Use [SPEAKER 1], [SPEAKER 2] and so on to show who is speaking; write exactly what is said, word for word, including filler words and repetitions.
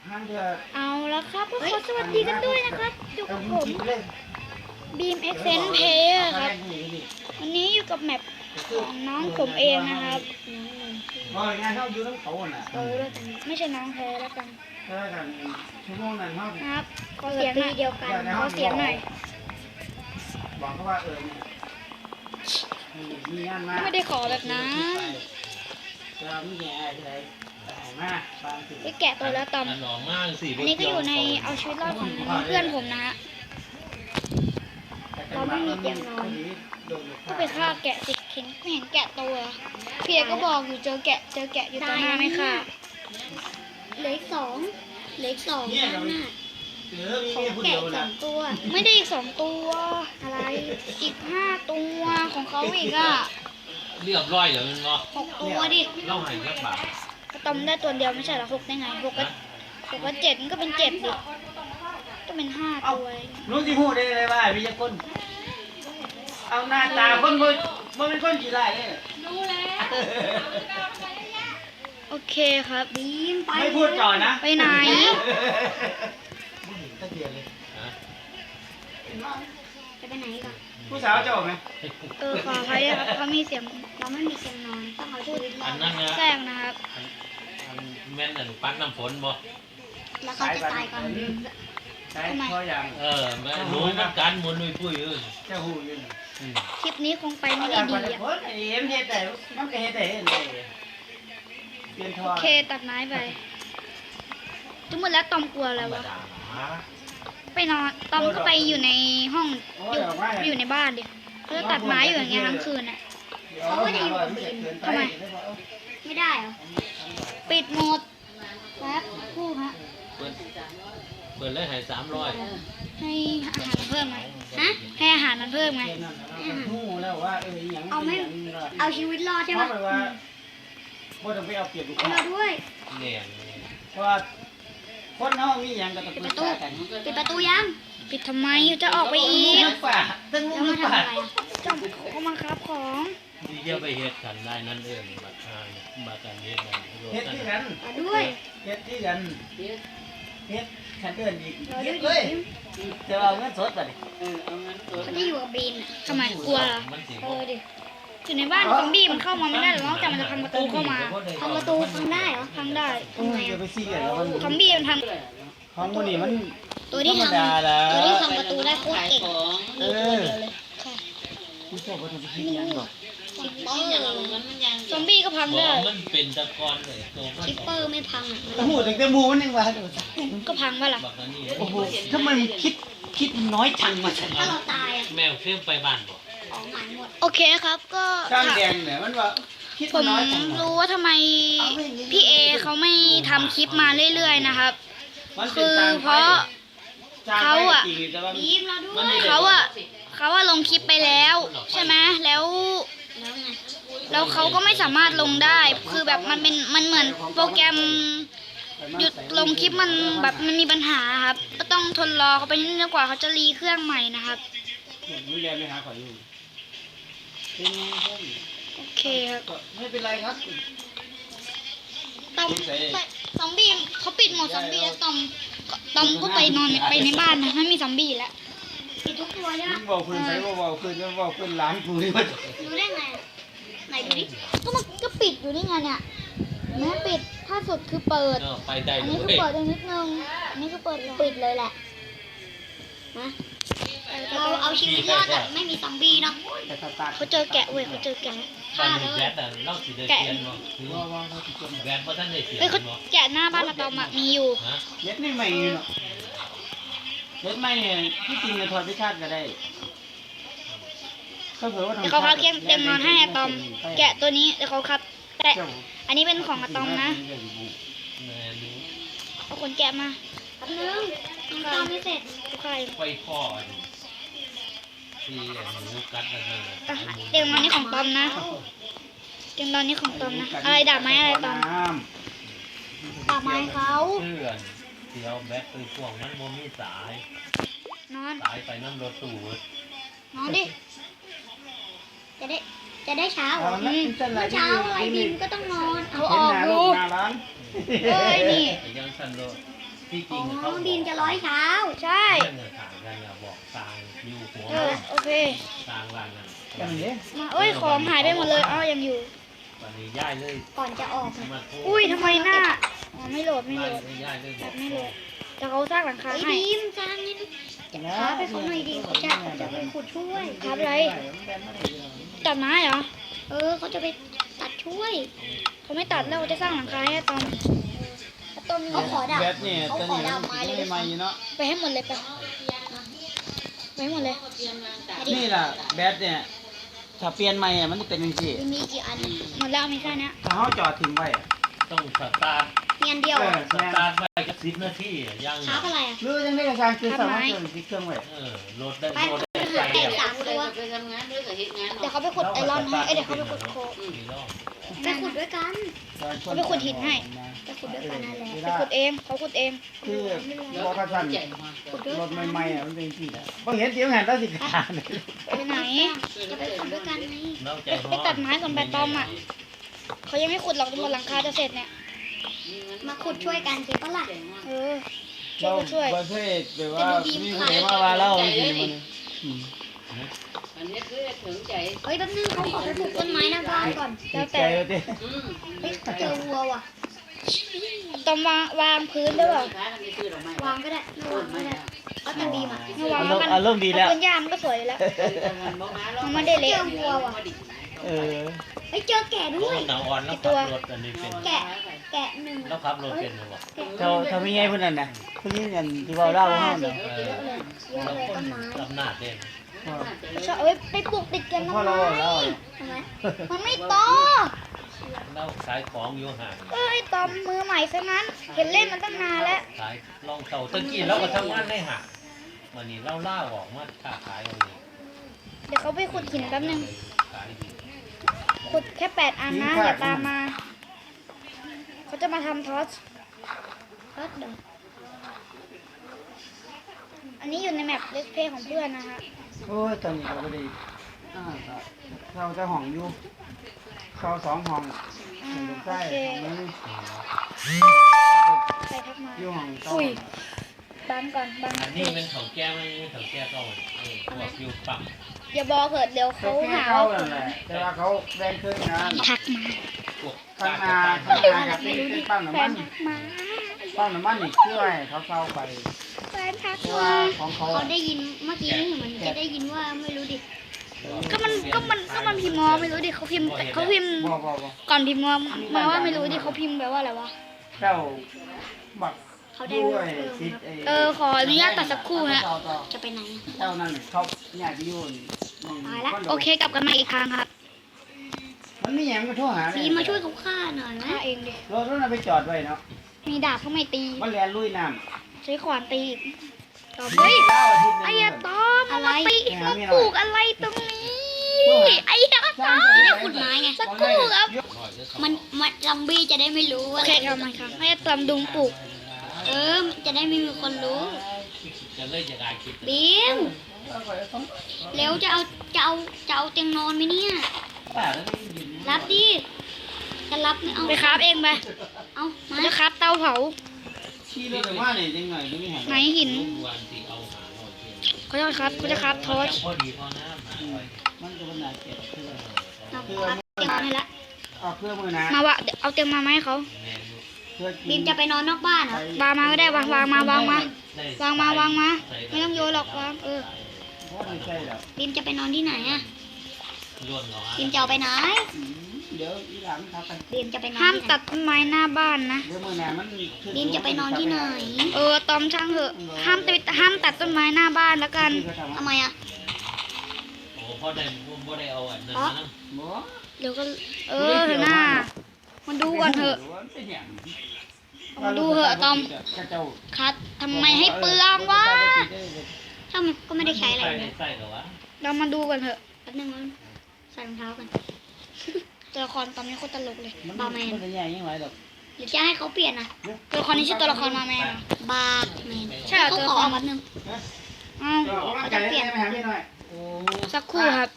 [SPEAKER 1] เอาแล้วครับก็ขอสวัสดีกันด้วยนะครับอยู่กับผมบีมเอ็กเซนเพย์ครับวันนี้อยู่กับแมปของน้องผมเองนะครับ
[SPEAKER 2] งานเขาอยู่ทั้งเขาน่ะ
[SPEAKER 1] เออแล้วกันไม่ใช่น้องแท้แล้วกัน
[SPEAKER 2] เออกันชั่วโมงนั้นเขา
[SPEAKER 1] ครับขอเสียงหน่อยเดียวกันขอเสียงหน่อย
[SPEAKER 2] บอกเขาว่าเออมีงานมา
[SPEAKER 1] ไม่ได้ขอแบบนั้น
[SPEAKER 2] จะมีแง่อะไรมา
[SPEAKER 1] ไปแกะตัวแล้วตอมอันนี้ก็อยู่ในเอาชีวิตรอดของเพื่อนผมนะฮะเราไม่มีเตียงนอนก็ไปฆ่าแกะสิเห็นไม่เห็นแกะตัวเพียก็บอกอยู่เจอแกะเจอแกะอยู่ตรงหน้าไม่ค่ะ
[SPEAKER 3] เหลือสองเหลือสองข้างหน้า
[SPEAKER 2] ของแกะสอง
[SPEAKER 1] ตัวไม่ได้อีกสองตัวอะไรอีกห้าตัวของเขาอีกอ่ะ
[SPEAKER 4] เรียบร้อยเดี๋ยวมันเนาะ
[SPEAKER 1] หกตัวดิ
[SPEAKER 4] เล่าหายแค่บาท
[SPEAKER 1] ก็ต้มได้ตัวเดียวไม่ใช่หรอหกได้ไงหกก็หกก็เจ็ดมันก็เป็นเจ็ดดิก็เป็นห้าตัว
[SPEAKER 2] รู้ที่พูดได้เลยว่าพี่จะคนเอาหน้าตาคนมันมันเป็นคนกี่ไรเนี่ย
[SPEAKER 3] รู้แล้ว
[SPEAKER 1] โอเคครับบีมไป
[SPEAKER 2] ไม่พูดก่อนนะ
[SPEAKER 1] ไปไหน
[SPEAKER 3] จะไปไหนก่อน
[SPEAKER 2] ผู้สาวจะออกไหม
[SPEAKER 1] เออขอใครครับเขามีเสียง
[SPEAKER 3] เราไม่มีเสียงนอนต้องเอาชีวิตรอด
[SPEAKER 1] แซงนะครับ
[SPEAKER 4] แม่นนั่นปั้นน้ำฝนบ่
[SPEAKER 3] แล้วเขาจะตายก่อน
[SPEAKER 2] ใช่เพราะอย่าง
[SPEAKER 4] เออแม่รู้มันการมุนนุ้ยปุ้ยเออ
[SPEAKER 2] จะหูอยู่
[SPEAKER 1] คลิปนี้คงไปไม่ได้ดีอ่ะโอเคตัดไม้ไปทั้งหมดแล้วตอมกลัวแล้ววะไปนอนตอมก็ไปอยู่ในห้องอยู่อยู่ในบ้านดิเขาจะตัดไม้อยู่อย่างเงี้ยทั้งคืนอ่ะ
[SPEAKER 3] เขาก็จะอยู่กับบีม
[SPEAKER 1] ทำไม
[SPEAKER 3] ไม่ได้เหรอ
[SPEAKER 1] ปิดหมดครับคู่ฮะ
[SPEAKER 4] เปิดเปิดเลยให้สามร้อย
[SPEAKER 1] ให้อาหารเพิ่มไหมฮะให้อาหารมันเพิ่มไหม
[SPEAKER 3] เอาไม่เอาชีวิตรอดใช่ไหม
[SPEAKER 2] ว่าต้องไปเอาเปรียบลูกค้า
[SPEAKER 3] เราด้วย
[SPEAKER 4] เนี่ย
[SPEAKER 2] เพราะว่าคนน้องมีอย่างกับตะกุ
[SPEAKER 3] ปิดประตูปิดประตูยัง
[SPEAKER 1] ปิดทำไมจะออกไปอีก
[SPEAKER 2] ตั้งลูกมาทำอะไร
[SPEAKER 1] จอมเขามาครับของ
[SPEAKER 4] ดีเดียวไปเฮ็ดกันได้นั่นเองบัตรทางบัตรการเฮ็ด
[SPEAKER 2] เฮ็ดที่กัน
[SPEAKER 3] ด้วย
[SPEAKER 2] เฮ็ดที่กันเฮ็ดขันเดินอีกเฮ็ดเลยจะเอาเงินสดไปเออเอาเงินสด
[SPEAKER 3] เขาจะอยู่กับบีน
[SPEAKER 1] ทำไมกลัวเหรอเออดิอยู่ในบ้านซอมบี้มันเข้ามาไม่ได้หรอกนอกจากมันจะพังประตูเข้ามา
[SPEAKER 3] พังประตูพังได้เหรอ
[SPEAKER 1] พังได้
[SPEAKER 2] ทำไมอ่ะ
[SPEAKER 1] ซอมบี้มันทำ
[SPEAKER 2] ของมันนี่มัน
[SPEAKER 3] ตัวที่ทำตัวที่ทำประตูได้โคตรเก่ง
[SPEAKER 2] เออคุณชอบว่าทำเป็นที่ยังหรอ
[SPEAKER 3] คิปเปอร์
[SPEAKER 1] ซอมบี้ก็พังได้
[SPEAKER 4] มันเป็นตะกอนเลย
[SPEAKER 3] คิปเปอร์ไม่พัง
[SPEAKER 2] อ่ะหมูถึงแต่หมูมันยังว่า
[SPEAKER 1] ก็พังว่าล่ะ
[SPEAKER 2] โอ้โหถ้ามันคิดคิดน้อยจังมา
[SPEAKER 3] ถ้าเราตาย
[SPEAKER 4] แมวเชื่อมไปบ้านบ่
[SPEAKER 1] โอเคครับก็
[SPEAKER 2] ช่างแดงเนี่ยมันว่า
[SPEAKER 1] ผมรู้ว่าทำไมพี่เอเขาไม่ทำคลิปมาเรื่อยๆนะครับคือเพราะเขาอ่ะเขาอ่ะเขาว่าลงคลิปไปแล้วใช่ไหมแล้วแล้วเขาก็ไม่สามารถลงได้คือแบบมันเป็นมันเหมือนโปรแกรมหยุดลงคลิปมันแบบมันมีปัญหาครับก็ต้องทนรอเขาไปนิดนึงกว่าเขาจะรีเครื่องใหม่นะครับโอเคครับ
[SPEAKER 2] ไม่เป็นไรครับ
[SPEAKER 1] ตอมซอมบี้เขาปิดหมดซอมบี้แล้วตอมตอมก็ไปนอนไปในบ้านนะไม่มีซอมบี้แล้ว
[SPEAKER 3] ปิดทุกตัวใช่ไหม
[SPEAKER 2] บอกคืนไปบอกคืนก็บอกคืนล้างกูนี่มัน
[SPEAKER 3] รู้ได้ไงไหนดูดิ
[SPEAKER 1] ก็มันก็ปิดอยู่นี่ไงเนี่ยแม้ปิดถ้าสุดคือเปิดอันนี้คือเปิดนิดนึงอันนี้คือเปิด
[SPEAKER 3] ปิดเลยแหละนะเราเอาชีวิตรอดแบบไม่มีซอมบี้เนาะ
[SPEAKER 1] เขาเจอแกะเว้ยเขาเจอแกะ
[SPEAKER 4] ฆ่าเลยแกะ
[SPEAKER 1] เฮ้ยเขาแกะหน้าบ้านอะตอมมีอยู่
[SPEAKER 2] เล็ดไม่ใหม่เนาะเล็ดไม่เนี่ยที่จริงจะถอดพิชาติก็ได้
[SPEAKER 1] เดี๋ยวเขาคัดเตียงนอนให้อะตอมแกะตัวนี้เดี๋ยวเขาคัดแต่อันนี้เป็นของอะตอมนะเอาคนแกะมา
[SPEAKER 3] แป๊บนึงยังตอมไม่เสร็จ
[SPEAKER 1] ใคร
[SPEAKER 4] ไฟคอที่หนูกัดอะไร
[SPEAKER 1] เตียงนอนนี้ของตอมนะเตียงนอนนี้ของตอมนะอะไรดาบไม้อะไรตอม
[SPEAKER 3] ดาบไม้เขา
[SPEAKER 4] เพื่อนเที่ยวแบตคือช่วงนั้นโมมีสาย
[SPEAKER 1] นอน
[SPEAKER 4] สายไปน้ำรถตู้
[SPEAKER 1] นอนดิ
[SPEAKER 3] จะได้จะได้เช้าเมื่อเช้าอะไรบีมก็ต้องนอน
[SPEAKER 1] เอาออกดูเอ้ยนี่
[SPEAKER 4] ยังสั่นโลที่จ
[SPEAKER 3] อ๋
[SPEAKER 4] ริ
[SPEAKER 3] อง
[SPEAKER 4] เขา
[SPEAKER 3] บีมจะร้อยเช้า
[SPEAKER 1] ใช่
[SPEAKER 4] เรื่องต่างกันอะบอกต่างอยู่หัว
[SPEAKER 1] เออโอเค
[SPEAKER 4] ต่างร้านนั้น
[SPEAKER 2] กันนี่
[SPEAKER 1] มาเอ้ยของหายไปหมดเลยเอ้ายังอยู่
[SPEAKER 4] วันนี้ย้ายเลย
[SPEAKER 3] ก่อนจะออกนะ
[SPEAKER 4] มาโทษ
[SPEAKER 1] อุ้ยทำไมหน้าอ๋อไม่โหลดไม่โหลด
[SPEAKER 4] ย้ายเลย
[SPEAKER 1] แบบไม่โหลดแต่เขาสร้างหลังคา
[SPEAKER 3] ไอ้
[SPEAKER 1] ให้
[SPEAKER 3] บีมสร้างนี่ท้าไปเขาหน่อยดิเขาจะเขาจะไปขุดช่วย
[SPEAKER 1] ครับอะไรตัดไม้เหรอ
[SPEAKER 3] เออเขาจะไปตัดช่วย
[SPEAKER 1] เขาไม่ตัดแล้วเขาจะสร้างหลังคาให้อะตอมอะตอม
[SPEAKER 3] เขาขอดาบ
[SPEAKER 2] แบตนี่
[SPEAKER 3] เขา
[SPEAKER 2] ตอน
[SPEAKER 3] ขอ
[SPEAKER 2] นี้
[SPEAKER 3] ดาบไม้เลย
[SPEAKER 2] ไม่ใหม่เนาะ
[SPEAKER 1] ไปให้หมดเลยไปไปให้หมดเลย
[SPEAKER 2] นี่ล่ะแบตเนี่ยถ้าเปลี่ยนใหม่อะมันจะเป็นจังซี่
[SPEAKER 3] มีกี่อัน
[SPEAKER 1] หมดแล้วมีแค่เนี้ย
[SPEAKER 2] ถ้าเฮาจอดทิ้งไว้
[SPEAKER 4] ต้องสตาร์ท
[SPEAKER 3] มีอันเดียว
[SPEAKER 2] เอ
[SPEAKER 3] อ่ะ
[SPEAKER 2] อ
[SPEAKER 4] สตาร์ทไว้ก็สิบนาทีอะยัง
[SPEAKER 3] ท้าอะไรอ่ะ
[SPEAKER 2] หรือจังได๋ก็สร้างคือสามารถเติมสิเครื่องไว้
[SPEAKER 4] เออโหลดได้
[SPEAKER 3] ไป
[SPEAKER 4] โหลดได้
[SPEAKER 3] หาแตกสามตัว
[SPEAKER 5] ไปทำงานด้วยกับเหตุงาน
[SPEAKER 1] เดี๋ยวเขาไปขุดไอรอนให้เอ้ยเดี๋ยวเขาไปขุดโค
[SPEAKER 4] กี่รอบ
[SPEAKER 3] ไปขุดด้วยกัน
[SPEAKER 1] เขาไปขุดหินให้
[SPEAKER 3] ไปขุดด้วยกันนั่นแหละ
[SPEAKER 1] ไปขุดเองเขาขุดเอง
[SPEAKER 2] คือบ่กระสั่นรถใหม่ๆอ่ะมันเป็นจังซี่แหละบ่เห็นเสียงหันแล้วสิขาด
[SPEAKER 1] ไปไหน
[SPEAKER 3] จะไปขุดด้วยกันไง
[SPEAKER 4] นอกใจ
[SPEAKER 1] ไปตัดไม้ก่อนไปตอมอ่ะเขายังไม่ขุดหรอกจนกว่าหลังคาจะเสร็จเนี่ย
[SPEAKER 3] มาขุดช่วยกันสิปะล่ะ
[SPEAKER 1] เออช่วยก็ช่วย
[SPEAKER 2] บ่เคยแบบว่ามีผู้ใดมาว่าเราจริงๆมันอืม
[SPEAKER 5] อันนี้คือถึงใจ
[SPEAKER 3] เฮ้ยแป๊บนึงเขาขอไปปลูกต้นไม้หน้าบ้านก่อน
[SPEAKER 2] ติดใจเอาติ
[SPEAKER 5] อืม
[SPEAKER 3] เฮ้ยเจอวัวว่ะ
[SPEAKER 1] ตอมวางวางพื้นได้เปล่า
[SPEAKER 5] ค้ากันไปซื้อดอกไม้
[SPEAKER 3] วางก็ได้ไม่วางก็ได้เอาแต่บีมอ่ะ
[SPEAKER 1] ไม่วาง
[SPEAKER 2] อาร
[SPEAKER 1] แล้ว
[SPEAKER 2] ม
[SPEAKER 1] มัน
[SPEAKER 2] ณ์อารมณ์ดีแล้ว
[SPEAKER 1] เอาพื้นหญ้ามันก็สวยอยู่แล้ว มันไม่ได้เละ
[SPEAKER 3] เจอวัวว่ะ
[SPEAKER 2] เออ
[SPEAKER 3] เฮ้ยเจอแกะด้วย
[SPEAKER 4] หนาอ่อนแล้วขับรถอันนี้เป็น
[SPEAKER 3] แกะ แกะหนึ่ง
[SPEAKER 4] แล้วขับรถเป็นหรือเปล่า
[SPEAKER 2] เจ้าเจ้ามีไงเพิ่นนั่นน่ะเพิ่นนี่นั่นที่เว้าเล่าเฮาน่ะ
[SPEAKER 3] เยอะเลยเยอะเลยต้นไม้
[SPEAKER 4] ลำหน้าเด่น
[SPEAKER 1] ชอบเอ้ยไปปลูกติดกัน
[SPEAKER 2] พ่อ
[SPEAKER 1] ทำไม
[SPEAKER 2] เราเว้าเล่า
[SPEAKER 3] ทำไม
[SPEAKER 1] มันไม่โต
[SPEAKER 4] เราขายของอยู่ห่าง
[SPEAKER 1] เอ้ยตอมมือใหม่ซะงั้น เห็นเล่นมันตั้งนานแล้ว
[SPEAKER 4] ขายลองเต่าตะกี้เราก็ทำงานได้ห่างวันนี้เราล่าออกมาค้าขายเอาเอง
[SPEAKER 1] เดี๋ยวเขาไปขุดหินแป๊บนึง
[SPEAKER 4] ขายดี
[SPEAKER 1] ขุดแค่แปดอันนะอย่าตามมา เขาจะมาทำทอส
[SPEAKER 3] ก็เดี๋ยว
[SPEAKER 1] อันนี้อยู่ในแมปเลสเพย์ของเพื่อนนะคะ
[SPEAKER 2] โอ้ยตอนนี้เราก็ได้อ่าครับเราจะห้องอยู่เข้าสองห้อง
[SPEAKER 1] อ่า
[SPEAKER 2] ห้องตรง
[SPEAKER 1] โอ
[SPEAKER 2] ใต้
[SPEAKER 1] เค
[SPEAKER 2] ห้องนึง
[SPEAKER 1] ใครทักมา
[SPEAKER 2] อยู่ห้องเก้า
[SPEAKER 1] อุ้ยบังก่อนบัง
[SPEAKER 4] อันนี้เป็นของแก้ไม่ใช่ของแก้ก็เออพวกอยู่ปั๊ม
[SPEAKER 1] อย่าบอกเถิดเดี๋ยวเขา
[SPEAKER 2] เขา
[SPEAKER 1] หา
[SPEAKER 2] เก้า
[SPEAKER 1] ว่า
[SPEAKER 2] นั่นแหละแต่ว่าเขาแบ่งครึ่งงาน
[SPEAKER 1] ทักมา
[SPEAKER 4] พวก
[SPEAKER 2] ข้างห
[SPEAKER 4] กา
[SPEAKER 2] น้าร
[SPEAKER 4] จะตั้ง
[SPEAKER 2] ข้างหน้าครับเป็นเป็นปั๊ม
[SPEAKER 1] แฟ
[SPEAKER 2] น้ำมัน น
[SPEAKER 1] ทักมา
[SPEAKER 2] ปั๊มน้ำมันนี่ช่วยเขาเข้าไป
[SPEAKER 1] แฟนทัก
[SPEAKER 2] เพราะว่า
[SPEAKER 1] มา
[SPEAKER 2] ของเขา
[SPEAKER 3] เขาได้ยินเมื่อกี้เหมือนจะได้ยินว่าไม่รู้ดิ
[SPEAKER 1] ก็มันก็มันก็มันพิมพ์มอไม่รู้ดิเขาพิมพ์เขาพิมพ์
[SPEAKER 2] บ่บ่บ่
[SPEAKER 1] ก่อนพิมพ์มอมาว่าไม่รู้ดิเขาพิมพ์แปลว่าอะไรวะ
[SPEAKER 2] เจ้าบัก
[SPEAKER 3] เขาได้
[SPEAKER 2] ด้วย
[SPEAKER 3] เออ
[SPEAKER 2] ติด
[SPEAKER 1] เออขออนุญาตตัดสักครู่ฮะ
[SPEAKER 2] ต่อต่อ
[SPEAKER 3] จะไปไหน
[SPEAKER 2] เจ้านั่นเขาอยากอยู่นี่
[SPEAKER 3] ตายละ
[SPEAKER 2] คอนโด
[SPEAKER 1] โอเคกลับกันมาอีกครั้งครับ
[SPEAKER 2] มันมีหยังมาโทรหา
[SPEAKER 3] บีมมาช่วยเขาฆ่าหน่อยไหม
[SPEAKER 1] ฆ่าเองดิ
[SPEAKER 2] รถรถน่ะไปจอดไว้เนาะ
[SPEAKER 1] มีดาบเขาไม่ตี
[SPEAKER 2] มันแล่นลุยน้ำ
[SPEAKER 1] ใช้ขวานตีอีกตอบเฮ้ย
[SPEAKER 2] เล่าอาทิตย์หนึง
[SPEAKER 1] ไอ้ยาตอมมามาตีมาปลูกอะไรตรงนี้ไอ้ยาตอม
[SPEAKER 3] จะได้ขุดไม้ไง
[SPEAKER 1] สักครู่ครับ
[SPEAKER 3] มันมันซอมบี้จะได้ไม่รู้
[SPEAKER 1] โอ
[SPEAKER 3] ว่า
[SPEAKER 1] เคครับมาครับไอ้ยาตอมดุงปลูก
[SPEAKER 3] เออจะได้ไม่มีคนรู้
[SPEAKER 4] จะเลิกจะได้คิด
[SPEAKER 3] บีมเร็วจะเอาจะเอาจะเอาเตียงนอนไหมเนี่ย
[SPEAKER 2] ป้าแล้วได้ยิน
[SPEAKER 3] รับดิจะรับไม่เอา
[SPEAKER 1] ไปคราฟเองไป
[SPEAKER 3] เอามา
[SPEAKER 1] จะคราฟเตาเผา
[SPEAKER 2] ขี่รถไปว่านี่จังหน่อยจะมีหาง
[SPEAKER 1] ไหนหิน
[SPEAKER 4] วันที่เอาหาหน่อย
[SPEAKER 1] เขาจะคราฟเขาจะคราฟทอส
[SPEAKER 4] พอดีพอน้ำหาหน่อย
[SPEAKER 2] มันก็เป็นหนาเก็บเพื่อ
[SPEAKER 3] เอาครับเตียงนอนให้ละ
[SPEAKER 2] เอาเพื่อมือนะ
[SPEAKER 1] มาวะเดี๋ยวเอาเตียงมาไหมาให้เขา
[SPEAKER 4] แมน
[SPEAKER 2] เพื่อกิน
[SPEAKER 3] บีมจะไปนอนนอกบ้านเหรอ
[SPEAKER 1] วางมาก็ได้วางวางมาวางมาวางมาวางมา ไม่ต้องโยนหรอกวางเออ
[SPEAKER 2] เพราะไม่ใช่หรอก
[SPEAKER 3] บีมจะไปนอนที่ไหนอะ
[SPEAKER 4] ล้วนเหรอ
[SPEAKER 3] บีมจะเอาไปไหน
[SPEAKER 2] อืมเดี๋ยวอีหลานทักไป
[SPEAKER 3] บีมจะไปนอน
[SPEAKER 1] ห้าม
[SPEAKER 3] ที่ไหน
[SPEAKER 1] ตัดต้นไม้หน้าบ้านนะ
[SPEAKER 2] เดี๋ยวมือหนามันขึ้
[SPEAKER 3] บีมจะไปนอนที่ไหน
[SPEAKER 1] เออตอมช่างเถอะห้ามตัดห้ามตัดต้นไม้หน้าบ้านแล้วกัน
[SPEAKER 2] ที่เขาทำ
[SPEAKER 3] ทำไมอะ
[SPEAKER 4] โอ้พอได้พอได้เอาอันนั้นนะ
[SPEAKER 2] บ่
[SPEAKER 1] เดี๋ยวก็เออเถอะหน้ามาดูก่อนเถอะ
[SPEAKER 2] เป็นหยัง
[SPEAKER 1] มาดูเถอะตอม
[SPEAKER 2] กระเจ้า
[SPEAKER 1] คัดทำไมให้เปลืองวะ
[SPEAKER 3] ถ้ามันก็ไม่ได้ใช้อะไร
[SPEAKER 4] ใส่
[SPEAKER 3] เลย
[SPEAKER 4] ใส่เหรอวะ
[SPEAKER 1] เรามาดูกันเถอะ
[SPEAKER 3] แป๊บนึงมันใส่รองเท้ากัน
[SPEAKER 1] ตัวละครตอนนี้โคตรตลกเลย
[SPEAKER 2] มัน
[SPEAKER 3] บาร์แมน
[SPEAKER 2] มันจะแย่ยังไงดอก
[SPEAKER 3] หรือจะให้เขาเปลี่ยนอะ
[SPEAKER 1] ตัวละครนี้ชื่อตัวละครมาแมนเหรอบ
[SPEAKER 3] าร์แมน
[SPEAKER 1] ใช่เหรอ
[SPEAKER 3] เขา
[SPEAKER 1] ตัว
[SPEAKER 3] ข
[SPEAKER 1] ละ
[SPEAKER 3] อ
[SPEAKER 1] คร
[SPEAKER 3] แป๊บนึง
[SPEAKER 1] อ้าว
[SPEAKER 2] เขาจะเปลี่ยนไปหาพี่หน่อย
[SPEAKER 4] โอ้
[SPEAKER 1] สักครู่ครับ